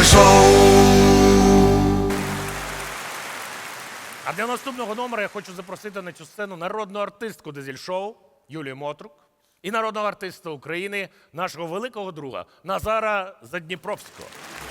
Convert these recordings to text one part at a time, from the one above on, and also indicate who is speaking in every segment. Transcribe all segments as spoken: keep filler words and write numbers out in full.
Speaker 1: А для наступного номера я хочу запросити на цю сцену народну артистку Дизель-шоу Юлію Мотрук і народного артиста України, нашого великого друга Назара Задніпровського.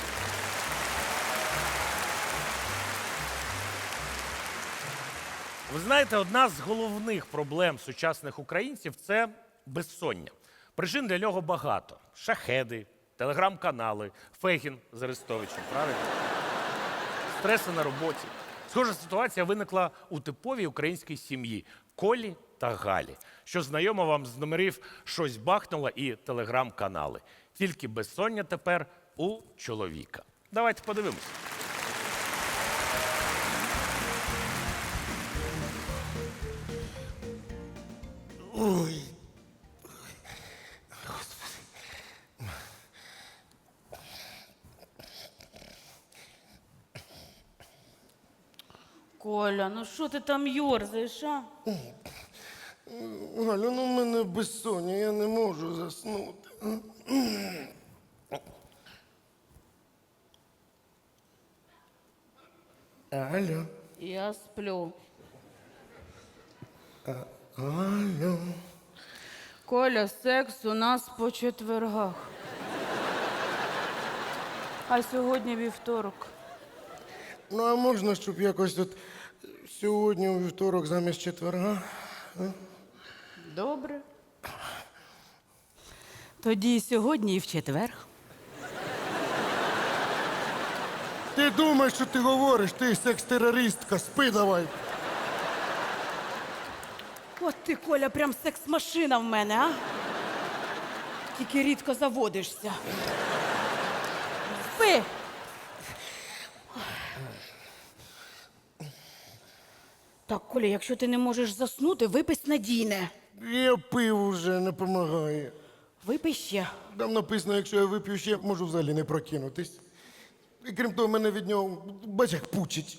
Speaker 1: Ви знаєте, одна з головних проблем сучасних українців – це безсоння. Причин для нього багато. Шахеди, телеграм-канали, Фегін з Арестовичем, правильно? Стреси на роботі. Схожа ситуація виникла у типовій українській сім'ї – Колі та Галі, що знайомо вам з номерів «Щось бахнуло» і телеграм-канали. Тільки безсоння тепер у чоловіка. Давайте подивимось.
Speaker 2: Ой.
Speaker 3: Коля, ну що ти там йорзаєш, а?
Speaker 2: Галю, ну в мене безсоння, я не можу заснути. Алло.
Speaker 3: Я сплю.
Speaker 2: Алло.
Speaker 3: Коля, секс у нас по четвергах. А сьогодні вівторок.
Speaker 2: Ну, а можна, щоб якось от сьогодні у вівторок замість четверга?
Speaker 3: Добре. Тоді і сьогодні, і в четвер.
Speaker 2: Ти думаєш, що ти говориш, ти секс-терористка, спи давай.
Speaker 3: От ти, Коля, прям секс-машина в мене, а? Тільки рідко заводишся. Спи! Так, Коля, якщо ти не можеш заснути, випий снадійне.
Speaker 2: Я пив уже, не допомагає.
Speaker 3: Випий ще.
Speaker 2: Там написано, якщо я вип'ю ще, можу взагалі не прокинутись. І крім того, мене від нього, бач, як пучить.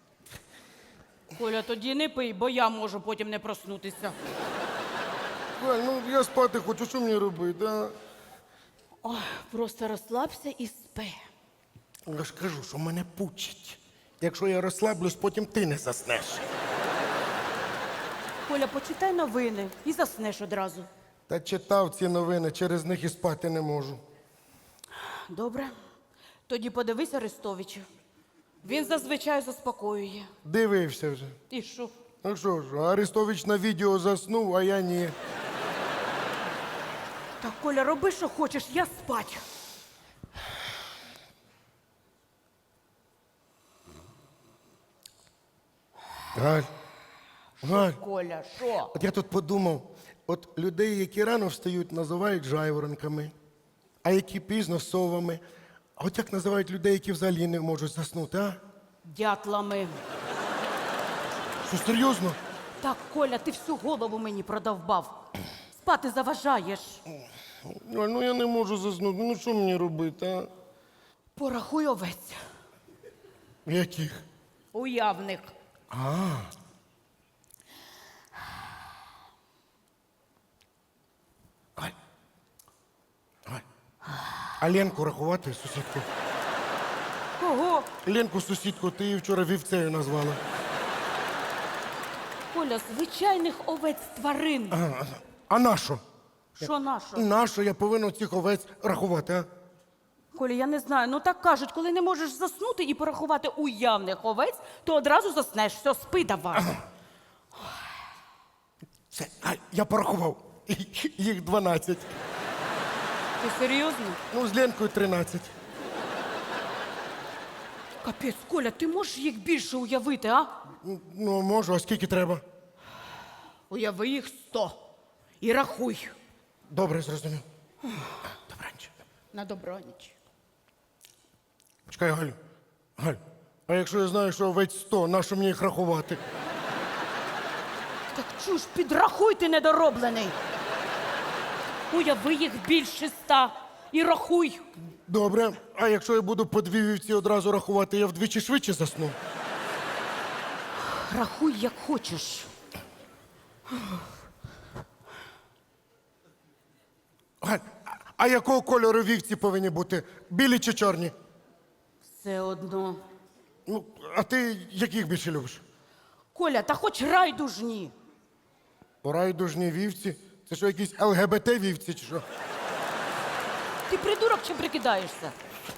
Speaker 3: Коля, тоді не пий, бо я можу потім не проснутися.
Speaker 2: Галь, ну я спати хочу, що мені робити, а?
Speaker 3: Ой, просто розслабся і спи.
Speaker 2: Я ж кажу, що мене пучить. Якщо я розслаблюсь, потім ти не заснеш.
Speaker 3: Коля, почитай новини і заснеш одразу.
Speaker 2: Та читав ці новини, через них і спати не можу.
Speaker 3: Добре. Тоді подивись Арестовича. Він зазвичай заспокоює.
Speaker 2: Дивився вже.
Speaker 3: І що?
Speaker 2: Ну що ж, Арестович на відео заснув, а я ні.
Speaker 3: Так, Коля, роби, що хочеш, я спать.
Speaker 2: Галь, Галь,
Speaker 3: Коля, що?
Speaker 2: от я тут подумав, от людей, які рано встають, називають жайворонками, а які пізно совами. А от як називають людей, які взагалі не можуть заснути, а?
Speaker 3: Дятлами.
Speaker 2: Що, серйозно?
Speaker 3: Так, Коля, ти всю голову мені продовбав. Спати заважаєш.
Speaker 2: Галь, ну я не можу заснути, ну що мені робити, а?
Speaker 3: Порахуй овець.
Speaker 2: Яких?
Speaker 3: Уявних.
Speaker 2: Галь. Галь. А Ленку рахувати, сусідку?
Speaker 3: Кого?
Speaker 2: Ленку, сусідку, ти її вчора вівцею назвала.
Speaker 3: Коля, звичайних овець тварин.
Speaker 2: А, а нащо?
Speaker 3: Що наша?
Speaker 2: Нащо я повинен цих овець рахувати, а?
Speaker 3: Коля, я не знаю, ну так кажуть, коли не можеш заснути і порахувати уявних овець, то одразу заснеш. Все, спи давай.
Speaker 2: Все, Галь, я порахував. Їх дванадцять.
Speaker 3: Ти серйозно?
Speaker 2: Ну, з Ленкою тринадцять.
Speaker 3: Капець, Коля, ти можеш їх більше уявити, а?
Speaker 2: Ну, можу, а скільки треба?
Speaker 3: Уяви їх сто. І рахуй.
Speaker 2: Добре, зрозумів. Добраніч.
Speaker 3: На добраніч.
Speaker 2: Чекай, Галю. Галь, а якщо я знаю, що овець сто, нащо мені їх рахувати?
Speaker 3: Так чуж, підрахуй, ти недороблений. Уяви їх більше ста. І рахуй.
Speaker 2: Добре, а якщо я буду по дві вівці одразу рахувати, я вдвічі швидше засну?
Speaker 3: Рахуй, як хочеш.
Speaker 2: Галь, а якого кольору вівці повинні бути? Білі чи чорні?
Speaker 3: Все одно.
Speaker 2: Ну, а ти яких більше любиш?
Speaker 3: Коля, та хоч райдужні.
Speaker 2: Райдужні вівці? Це що, якісь ЛГБТ-вівці чи що?
Speaker 3: Ти придурок чи прикидаєшся?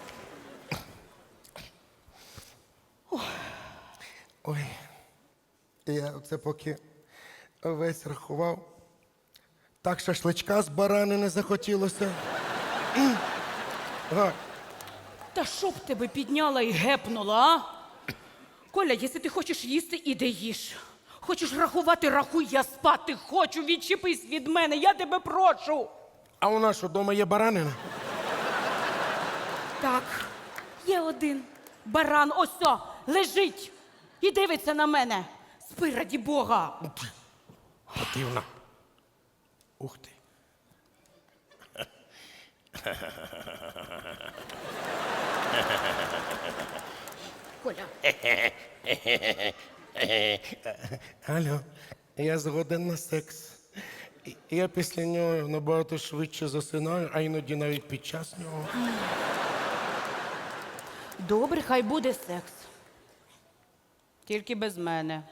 Speaker 2: Ой, я оце поки весь рахував. Так шашличка з баранини захотілося. М. Галь,
Speaker 3: Та щоб тебе підняла і гепнула, а? Коля, якщо ти хочеш їсти, іди їж. Хочеш рахувати, рахуй, я спати хочу, відчепись від мене, я тебе прошу.
Speaker 2: а у нас що, вдома є баранина?
Speaker 3: Так, є один баран, ось о, лежить і дивиться на мене. Спи, раді Бога.
Speaker 2: Противна. Ух ти.
Speaker 3: Коля,
Speaker 2: Алло, я згоден на секс. І- Я після нього набагато швидше засинаю, а іноді навіть під час нього.
Speaker 3: добре, хай буде секс. Тільки без мене.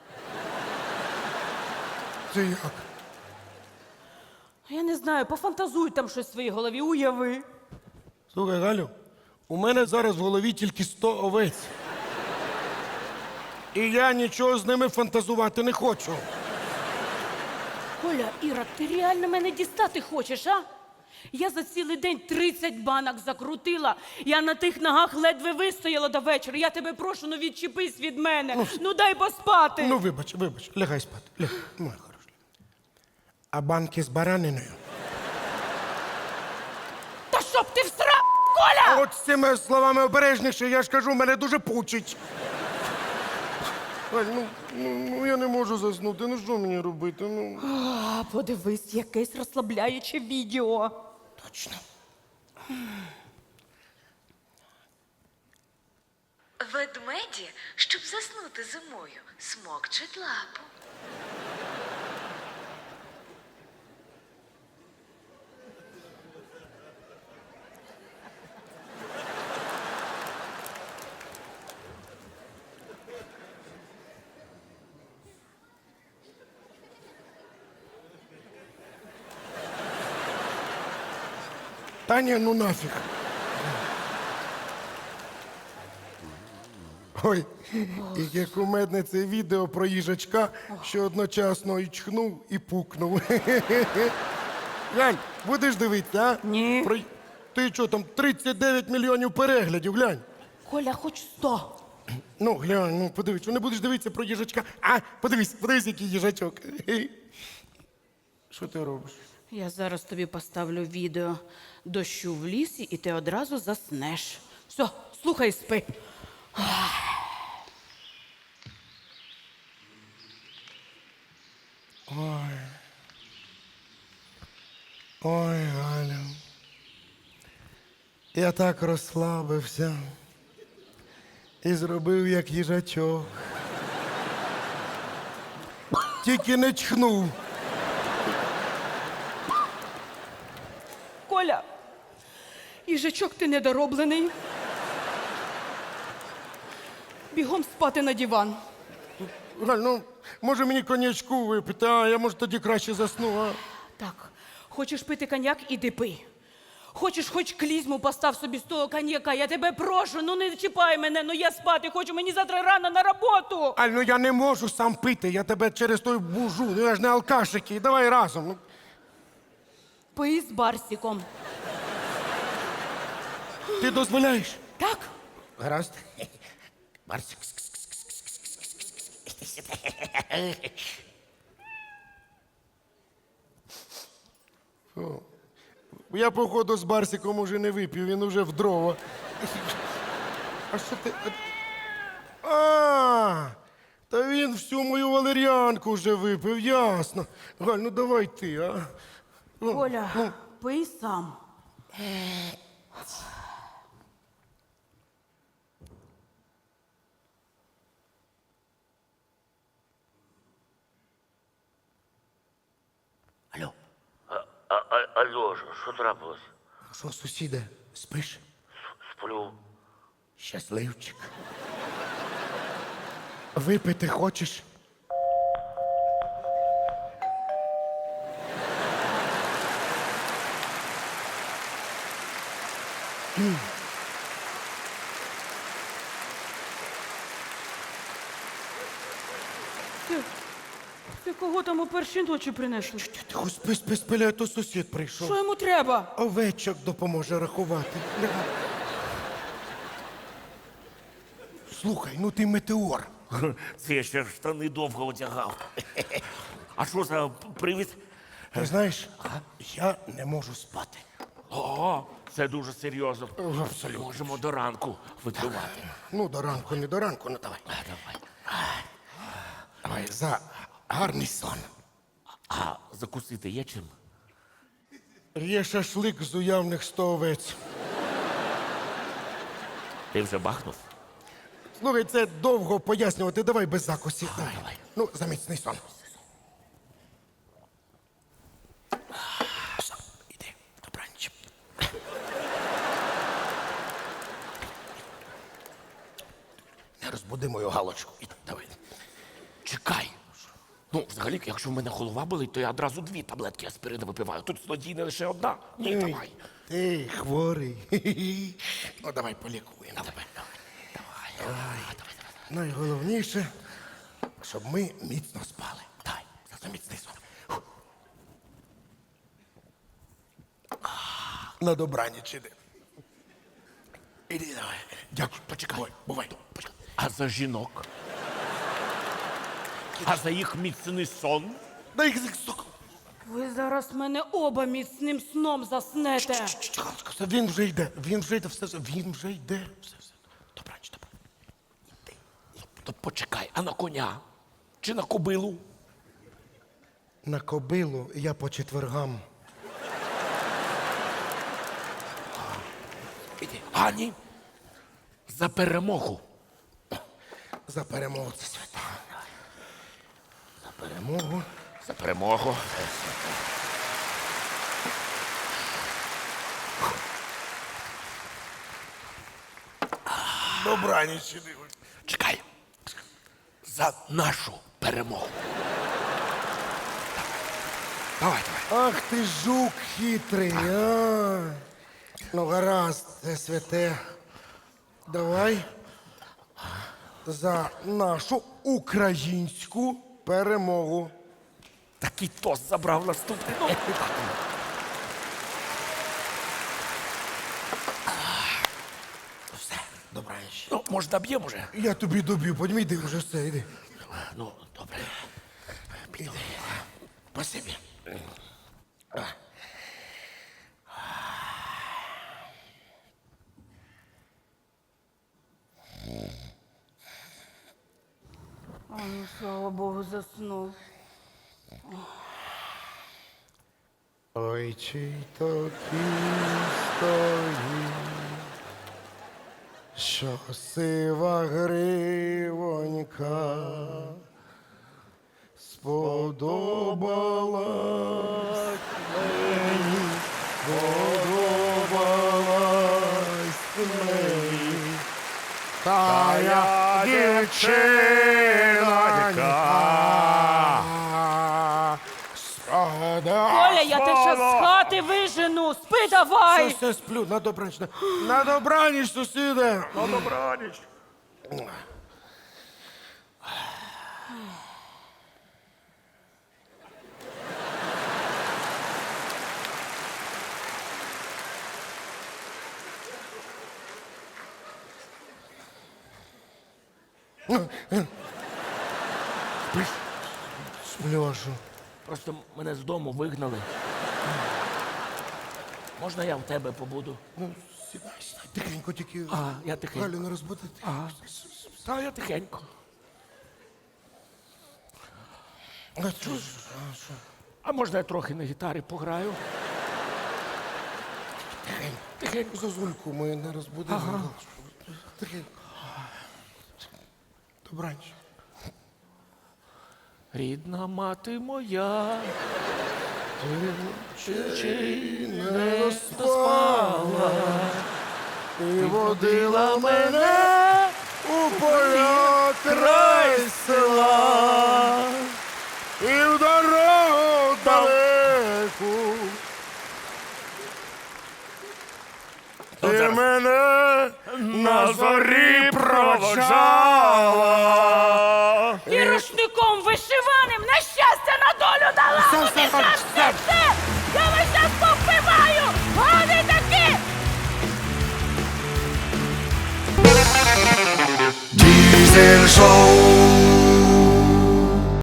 Speaker 2: Це як?
Speaker 3: Я не знаю, пофантазуй там щось в своїй голові, уяви.
Speaker 2: Слухай, Галю, у мене зараз в голові тільки сто овець. І я нічого з ними фантазувати не хочу.
Speaker 3: Коля, Іра, ти реально мене дістати хочеш, а? Я за цілий день тридцять банок закрутила. Я на тих ногах ледве вистояла до вечора. Я тебе прошу, ну відчепись від мене. Ну, дай поспати.
Speaker 2: Ну, вибач, вибач, лягай спати. Лягай, моя хороша. А банки з бараниною?
Speaker 3: Та щоб ти всрав, Коля!
Speaker 2: От з цими словами обережніше, я ж кажу, мене дуже пучить. Галь, ну, ну, ну я не можу заснути, ну що мені робити? Ну.
Speaker 3: А, подивись, якесь розслабляюче відео.
Speaker 2: Точно.
Speaker 4: Ведмеді, щоб заснути зимою, смокчуть лапу.
Speaker 2: Таня, ну нафіг. Ой, яке кумедне це відео про їжачка, що одночасно і чхнув, і пукнув. Глянь, будеш дивитися, а?
Speaker 3: Ні.
Speaker 2: Про... Ти що, там тридцять дев'ять мільйонів переглядів, глянь.
Speaker 3: Коля, хоч сто.
Speaker 2: Ну, глянь, ну подивись, що не будеш дивитися про їжачка. А, подивись, подивись, який їжачок. Що ти робиш?
Speaker 3: Я зараз тобі поставлю відео дощу в лісі, і ти одразу заснеш. Все, слухай, і спи.
Speaker 2: Ой, Галя. Я так розслабився і зробив, як їжачок. Тільки не чхнув.
Speaker 3: Коля, їжачок ти недороблений. Бігом спати на диван.
Speaker 2: Галь, ну, може мені коньячку випити, а я, може, тоді краще засну, а?
Speaker 3: Так, хочеш пити коньяк, іди пий. Хочеш, хоч клізму постав собі з того коньяка. Я тебе прошу, ну не чіпай мене, ну я спати хочу, мені завтра рано на роботу.
Speaker 2: Аль, ну я не можу сам пити, я тебе через той бужу, ну я ж не алкаш який, давай разом. Ну.
Speaker 3: Пий з Барсіком.
Speaker 2: Ти дозволяєш?
Speaker 3: Так?
Speaker 2: Гаразд. Барсик. Фу. Я, походу, з Барсиком уже не випів, він уже в дрова. А що ти. А, та він всю мою валеріанку вже випив, ясно. Галь, ну давай ти, а. Ну,
Speaker 3: Коля,
Speaker 2: ну.
Speaker 3: пий сам.
Speaker 2: Алло,
Speaker 5: А, а, алло, що- що трапилось?
Speaker 2: що, сусіде, спиш?
Speaker 5: Сплю.
Speaker 2: Щасливчик. Випити хочеш?
Speaker 3: Ти, ти кого там у першій ночі принесли?
Speaker 2: Тихо, спи, спи, спи, а то сусід прийшов.
Speaker 3: Що йому треба?
Speaker 2: Овечок допоможе рахувати. Лягай. Слухай, ну ти метеор.
Speaker 1: Це я ще штани довго одягав. А що за привід?
Speaker 2: Ти знаєш, я не можу спати.
Speaker 1: О, це дуже серйозно.
Speaker 2: Абсолютно.
Speaker 1: Можемо до ранку випивати.
Speaker 2: Ну, до ранку, не до ранку, ну давай.
Speaker 1: А, давай.
Speaker 2: Давай, за гарний сон.
Speaker 1: А закусити є чим?
Speaker 2: Є шашлик з уявних сто овець.
Speaker 1: Ти вже бахнув?
Speaker 2: Слухай, це довго пояснювати, давай без закусів. Давай.
Speaker 1: давай.
Speaker 2: Ну, за міцний сон. Все, іди, добраніч. Не розбуди мою галочку. Іди, давай.
Speaker 1: Чекай. Ну, взагалі, якщо в мене голова болить, то я одразу дві таблетки аспірину випиваю. Тут злодійна лише одна. Ні, давай.
Speaker 2: Ти хворий. Хі-хі. Ну, давай полікуємо.
Speaker 1: Давай, давай, давай, давай, давай, давай.
Speaker 2: Найголовніше, щоб ми міцно спали.
Speaker 1: Давай.
Speaker 2: За міцний сон. Фу. На добраніч іди. Іди, давай.
Speaker 1: Дякую, почекай.
Speaker 2: Бувай, бувай.
Speaker 1: Почекай. А за жінок? А за їх міцний сон?
Speaker 2: Дай їх сука.
Speaker 3: Ви зараз мене оба міцним сном заснете.
Speaker 2: Галочка, все, він вже йде, він вже йде, все, все, він вже йде. Все, все. Добраніч, добре.
Speaker 1: Іди. То почекай, а на коня? Чи на кобилу?
Speaker 2: На кобилу я по четвергам.
Speaker 1: Іди. Ані. За перемогу.
Speaker 2: За перемогу це свята. За перемогу.
Speaker 1: За перемогу.
Speaker 2: Добраніч іди.
Speaker 1: Чекай. За нашу перемогу. Давай, давай.
Speaker 2: Ах ти жук хитрий, а. Ну, гаразд, це святе. Давай за нашу українську перемогу.
Speaker 1: Такий тост забрав наступний. Ну,
Speaker 2: Все, добраніч.
Speaker 1: ну може, доб'ємо вже?
Speaker 2: Я тобі доб'ю, подімай, йди вже все, йди.
Speaker 1: Ну, добре.
Speaker 2: Іди. Спасибі.
Speaker 3: А, ну, слава Богу, заснув.
Speaker 2: Ой, чий то кінь стоїть, що сива гривонька сподобалась мені, сподобалась мені, та я дівчинонька.
Speaker 3: Коля, я тебе ще з хати вижену. Спи давай.
Speaker 2: Все, все, сплю, на добраніч. На, на добраніч, сусіде.
Speaker 1: На добраніч.
Speaker 2: Сплюшу.
Speaker 1: Просто мене з дому вигнали. Можна я в тебе побуду?
Speaker 2: Ну, сідай, сідай, тихенько тільки.
Speaker 1: А, я тихенько.
Speaker 2: Галю не розбудити.
Speaker 1: Ага. Та я тихенько.
Speaker 2: А що ж? А, що?
Speaker 1: А можна я трохи на гітарі пограю?
Speaker 2: Тихенько.
Speaker 1: Тихенько.
Speaker 2: Зозульку ми не розбудимо.
Speaker 1: Ага.
Speaker 2: Тихенько. Добраніч.
Speaker 1: Рідна мати моя,
Speaker 2: Чи
Speaker 1: чи
Speaker 2: не спала? І водила мене у поля край села. І в дорогу далеку. Ти
Speaker 1: зараз.
Speaker 2: мене на зорі проводжала.
Speaker 3: І рушником вишиваним на щастя на долю дала!
Speaker 2: Все,
Speaker 3: Ну,
Speaker 2: все,
Speaker 3: ти
Speaker 2: все,
Speaker 3: ж
Speaker 2: все.
Speaker 3: все! Я вас щас повбиваю! Вони такі!
Speaker 5: Diesel Show.